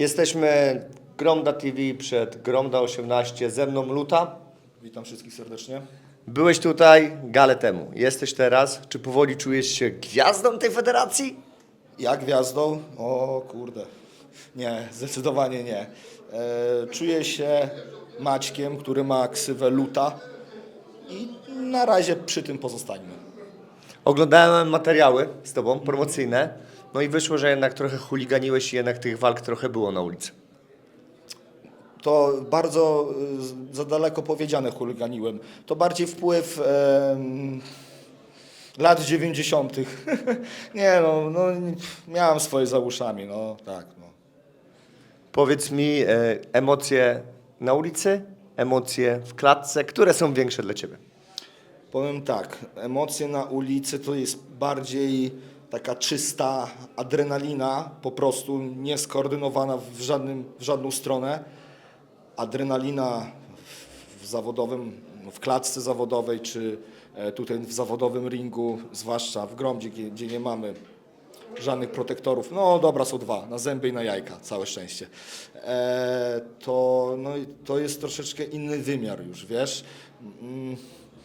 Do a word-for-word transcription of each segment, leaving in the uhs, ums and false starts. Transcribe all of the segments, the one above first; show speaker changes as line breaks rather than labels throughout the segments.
Jesteśmy Gromda T V przed Gromda osiemnaście, ze mną Luta.
Witam wszystkich serdecznie.
Byłeś tutaj galę temu, jesteś teraz. Czy powoli czujesz się gwiazdą tej federacji?
Ja gwiazdą? O kurde. Nie, zdecydowanie nie. E, czuję się Maćkiem, który ma ksywę Luta i na razie przy tym pozostańmy.
Oglądałem materiały z tobą, promocyjne. No i wyszło, że jednak trochę chuliganiłeś i jednak tych walk trochę było na ulicy.
To bardzo e, za daleko powiedziane chuliganiłem. To bardziej wpływ e, lat dziewięćdziesiątych. Nie no, no, miałem swoje za uszami, no tak. No.
Powiedz mi, e, emocje na ulicy, emocje w klatce, które są większe dla ciebie?
Powiem tak, emocje na ulicy to jest bardziej taka czysta adrenalina, po prostu nieskoordynowana w, żadnym, w żadną stronę. Adrenalina w, w zawodowym, w klatce zawodowej, czy e, tutaj w zawodowym ringu, zwłaszcza w Gromdzie, gdzie, gdzie nie mamy żadnych protektorów, no dobra, są dwa, na zęby i na jajka, całe szczęście. E, to, no, i to jest troszeczkę inny wymiar już, wiesz. Mm.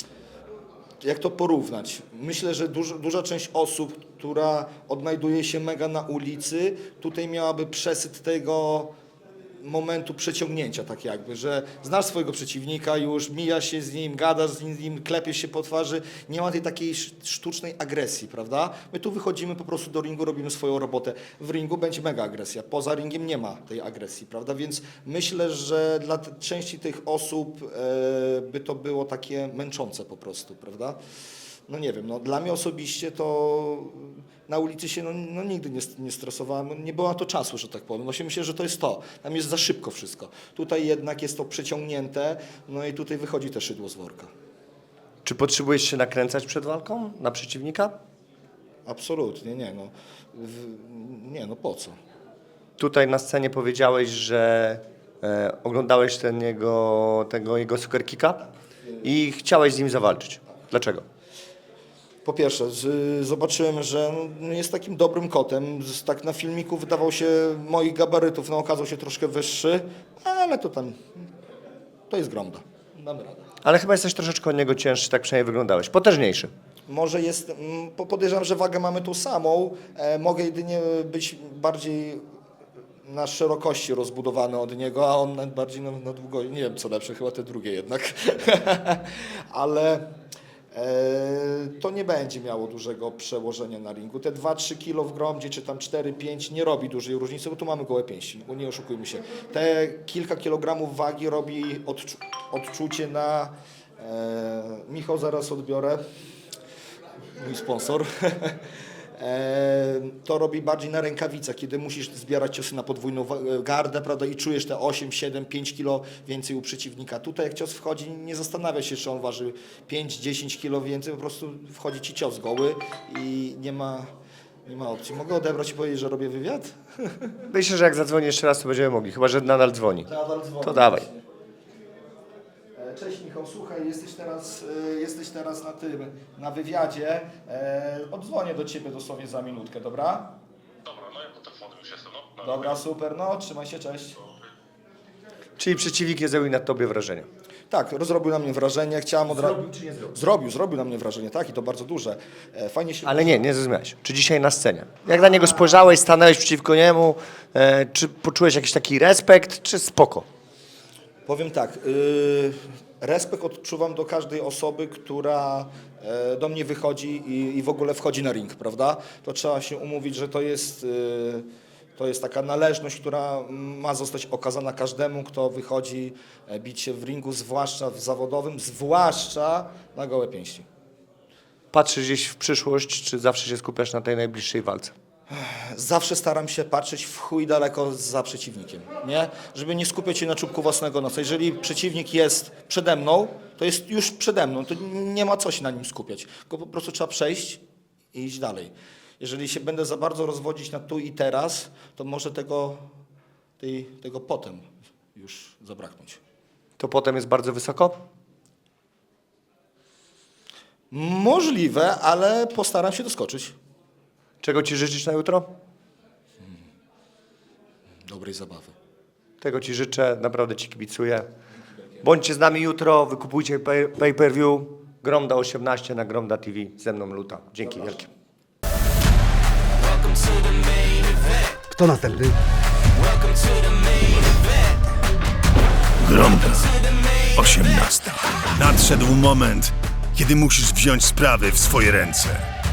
Jak to porównać? Myślę, że duż, duża część osób, która odnajduje się mega na ulicy, tutaj miałaby przesyt tego momentu przeciągnięcia, tak jakby, że znasz swojego przeciwnika, już mijasz się z nim, gadasz z nim, klepiesz się po twarzy, nie ma tej takiej sztucznej agresji, prawda? My tu wychodzimy po prostu do ringu, robimy swoją robotę. W ringu będzie mega agresja, poza ringiem nie ma tej agresji, prawda? Więc myślę, że dla części tych osób e, by to było takie męczące po prostu, prawda? No nie wiem, no dla mnie osobiście to na ulicy się no, no nigdy nie, nie stresowałem, nie było na to czasu, że tak powiem. No się myślę, że to jest to, tam jest za szybko wszystko. Tutaj jednak jest to przeciągnięte, no i tutaj wychodzi te szydło z worka.
Czy potrzebujesz się nakręcać przed walką na przeciwnika?
Absolutnie, nie no. W, nie no, po co?
Tutaj na scenie powiedziałeś, że e, oglądałeś ten jego, tego jego superkicka i chciałeś z nim zawalczyć. Dlaczego?
Po pierwsze, z, zobaczyłem, że no, jest takim dobrym kotem. Z, tak na filmiku wydawał się moich gabarytów, no okazał się troszkę wyższy, ale to tam, to jest Gromda. Damy radę.
Ale chyba jesteś troszeczkę od niego cięższy, tak przynajmniej wyglądałeś. Potężniejszy.
Może jest, mm, po- podejrzewam, że wagę mamy tą samą. E, mogę jedynie być bardziej na szerokości rozbudowany od niego, a on na- bardziej na, na długości. Nie wiem co lepsze, chyba te drugie jednak. Ale e, to nie będzie miało dużego przełożenia na ringu. Te dwa trzy kilo w Gromdzie, czy tam cztery pięć nie robi dużej różnicy, bo tu mamy gołe pięści, bo nie oszukujmy się. Te kilka kilogramów wagi robi odczu odczucie na... E, Michał, zaraz odbiorę. Mój sponsor. E, to robi bardziej na rękawicach, kiedy musisz zbierać ciosy na podwójną wa- gardę, prawda, i czujesz te osiem, siedem, pięć kilo więcej u przeciwnika. Tutaj jak cios wchodzi, nie zastanawia się, czy on waży pięć, dziesięć kilo więcej, po prostu wchodzi ci cios goły i nie ma, nie ma opcji. Mogę odebrać i powiedzieć, że robię wywiad?
Myślę, że jak zadzwoni jeszcze raz, to będziemy mogli, chyba że nadal dzwoni.
Nadal dzwonię.
To dawaj.
Cześć Michał, słuchaj, jesteś teraz, e, jesteś teraz na tym, na wywiadzie. E, Odzwonię do Ciebie dosłownie za minutkę, dobra?
Dobra, no ja po telefonie już jestem, no.
Dobra, super, no trzymaj się, cześć.
Czyli przeciwnik nie zrobił na tobie wrażenia.
Tak, zrobił na mnie wrażenie, chciałem od razu...
czy nie zrobił?
Zrobił, zrobił na mnie wrażenie, tak, i to bardzo duże. E, Fajnie się...
Ale nie, nie zrozumiałeś. Czy dzisiaj na scenie? Jak na niego spojrzałeś, stanąłeś przeciwko niemu, e, czy poczułeś jakiś taki respekt, czy spoko?
Powiem tak, y, respekt odczuwam do każdej osoby, która e, do mnie wychodzi i, i w ogóle wchodzi na ring, prawda? To trzeba się umówić, że to jest, y, to jest taka należność, która ma zostać okazana każdemu, kto wychodzi e, bić się w ringu, zwłaszcza w zawodowym, zwłaszcza na gołe pięści.
Patrzysz gdzieś w przyszłość, czy zawsze się skupiasz na tej najbliższej walce?
Zawsze staram się patrzeć w chuj daleko za przeciwnikiem, nie? Żeby nie skupiać się na czubku własnego nosa. Jeżeli przeciwnik jest przede mną, to jest już przede mną, to nie ma co się na nim skupiać. Tylko po prostu trzeba przejść i iść dalej. Jeżeli się będę za bardzo rozwodzić na tu i teraz, to może tego, tej, tego potem już zabraknąć.
To potem jest bardzo wysoko?
Możliwe, ale postaram się doskoczyć.
Czego ci życzyć na jutro?
dobrej zabawy.
Tego Ci życzę, naprawdę Ci kibicuję. Bądźcie z nami jutro, wykupujcie pay- pay-per-view. Gromda osiemnaście na Gromda T V, ze mną Luta. Dzięki wielkie.
Kto następny?
Gromda. osiemnasta. Nadszedł moment, kiedy musisz wziąć sprawy w swoje ręce.